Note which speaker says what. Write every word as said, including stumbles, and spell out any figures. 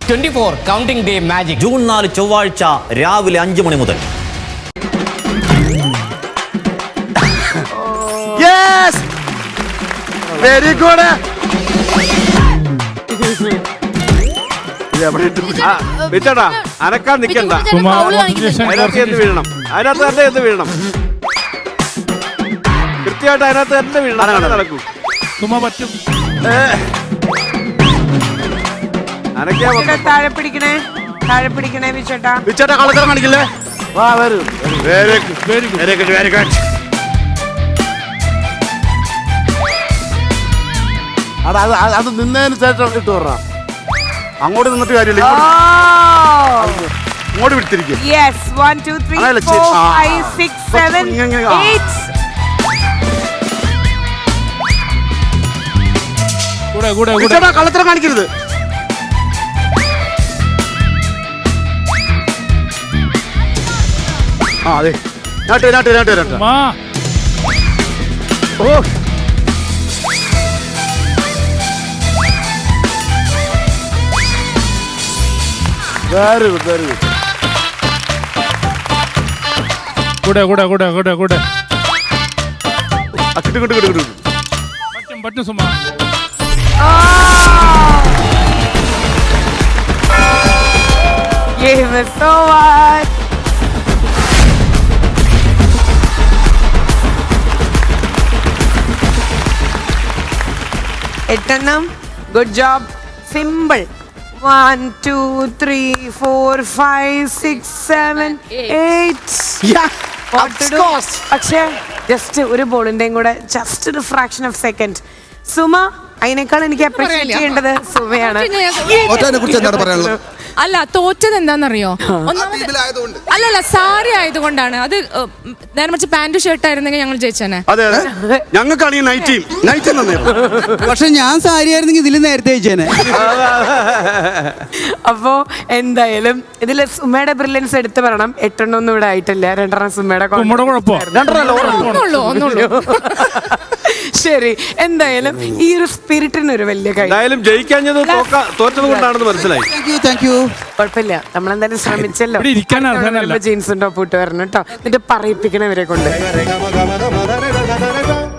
Speaker 1: Twenty four counting day magic
Speaker 2: June നാല് ചൊവ്വാഴ്ച രാവിലെ അഞ്ചു മണി മുതൽ.
Speaker 3: Very good. വിറ്റടാ അനക്കാൻ നിക്കണ്ട. അതിനകത്ത് എന്ത് വീഴണം, അതിനകത്ത് തന്നെ എന്ത് വീഴണം, കൃത്യമായിട്ട് അതിനകത്ത് തന്നെ വീഴണം. നടക്കൂ പറ്റും.
Speaker 4: താഴെ പിടിക്കണേ, താഴെ പിടിക്കണേ വിച്ചേട്ടാ.
Speaker 3: വിച്ചേട്ടാ കളത്തരം കാണിക്കില്ലേ? വാ വരൂ. Very good very good very good very good. അടാ അത് അത് നിന്നതിന് ശേഷം ഇട്ട് പറഞ്ഞ അങ്ങോട്ട് നിന്നിട്ട് കാര്യമില്ല, ഇങ്ങോട്ട് വിട്ടിരിക്കും.
Speaker 4: Yes one two three four five six seven eight.
Speaker 5: കൂടെ കൂടെ കൂടെ
Speaker 3: വിച്ചേട്ടാ കളത്തരം കാണിക്കരുത്. ആ അതെ നാട്ട് നാട്ട് നാട്ട് നാട്ട്. ഓ വെരി ഗുഡ് വെരി ഗുഡ്.
Speaker 5: കൂടെ കൂടെ കൂടെ കൂടെ കൂടെ
Speaker 3: കിട്ടു കിട്ടു കിട്ടു കിട്ടു.
Speaker 5: പറ്റും പറ്റും സുമാ.
Speaker 4: Give us so much. എട്ടെണ്ണം. Good job. Simple. One two three four five six seven eight. പക്ഷേ ജസ്റ്റ് ഒരു ബോളിന്റെയും കൂടെ ജസ്റ്റ് ഒരു ഫ്രാക്ഷൻ ഓഫ് സെക്കൻഡ്. സുമ, അതിനേക്കാൾ എനിക്ക് അപ്രീഷിയേറ്റ് ചെയ്യേണ്ടത് സുമയാണ്.
Speaker 6: അല്ല, തോറ്റത് എന്താണെന്നറിയോ? അല്ലല്ല, സാരി ആയതുകൊണ്ടാണ്. അത് നേരെ മറിച്ച് പാന്റ് ഷർട്ട് ആയിരുന്നെങ്കിൽ ഞങ്ങൾ ജയിച്ചേനെ.
Speaker 3: അതെ അതെ, ഞങ്ങൾക്കാണെങ്കിൽ നൈറ്റ് ടീം നൈറ്റ് നന്നായിരുന്നു.
Speaker 7: പക്ഷെ ഞാൻ സാരി ആയിരുന്നെങ്കിൽ ഇതിൽ നേരത്തെ ജയിച്ചേനെ.
Speaker 4: അപ്പോ എന്തായാലും ഇതില് സുമയുടെ ബ്രില്യൻസ് എടുത്തു പറയണം. എട്ടെണ്ണം ഒന്നും ഇവിടെ ആയിട്ടില്ല, രണ്ടെണ്ണം സുമയുടെ ശരി. എന്തായാലും ഈ ഒരു സ്പിരിറ്റിന് ഒരു വലിയ കൈ.
Speaker 3: എന്തായാലും ജയിക്കാഞ്ഞത് തോറ്റത് കൊണ്ടാണെന്ന് മനസ്സിലായി.
Speaker 4: കുഴപ്പമില്ല, നമ്മളെന്തായാലും ശ്രമിച്ചല്ലോ. ജീൻസും ടോപ്പ് ഇട്ട് വരണം കേട്ടോ, എന്നിട്ട് പറയിപ്പിക്കണവരെ കൊണ്ട്.